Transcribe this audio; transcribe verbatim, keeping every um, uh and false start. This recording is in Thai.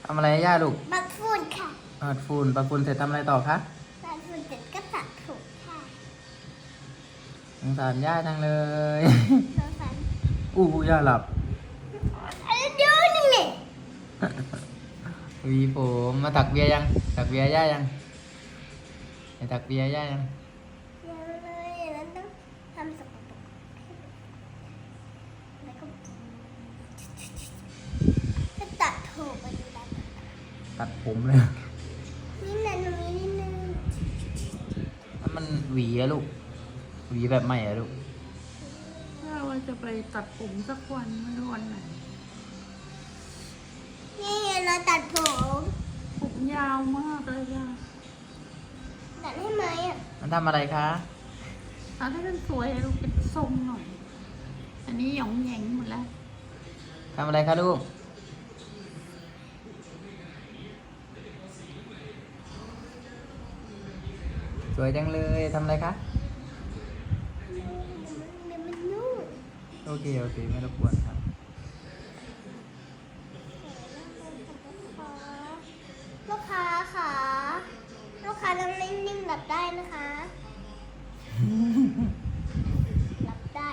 ทำอะไรให้ย่าลูกปัดฝุ่นค่ะปัดฝุ่นปัดฝุ่นเสร็จทำอะไรต่อคะปัดฝุ่นเสร็จก็ตัดผมค่ะสงสารย่าจังเลยสงสารอู้ย่าหลับอะไรเดี๋ยวนี่ไงหวีผมมาตักเบียร์ยังตักเบียร์ย่ายังไปตักเบียร์ย่ายังเดี๋ยวเลยแล้วต้องทำสกปรกแล้วก็ถ้าตัดถูกไปดูดันตัดผมเลยนี่นะตรงนี้นิดนึงแล้วมันหวีอะลูกหวีแบบใหม่อะลูกถ้าว่าจะไปตัดผมสักวันไม่รู้วันไหนนี่ไงเราตัดผมผมยาวมากเลยอะตัดให้ไหมอ่ะมันทำอะไรคะเอาให้มันสวยลูกเป็นทรงหน่อย อันนี้หยองแหยงหมดแล้วทำอะไรคะลูกสวยจังเลยทำอะไรคะมันมันยุ่งโอเคโอเคไม่รบกวนครับลูกค้าค่ะลูกค้าต้องนิ่งๆหลับได้นะคะ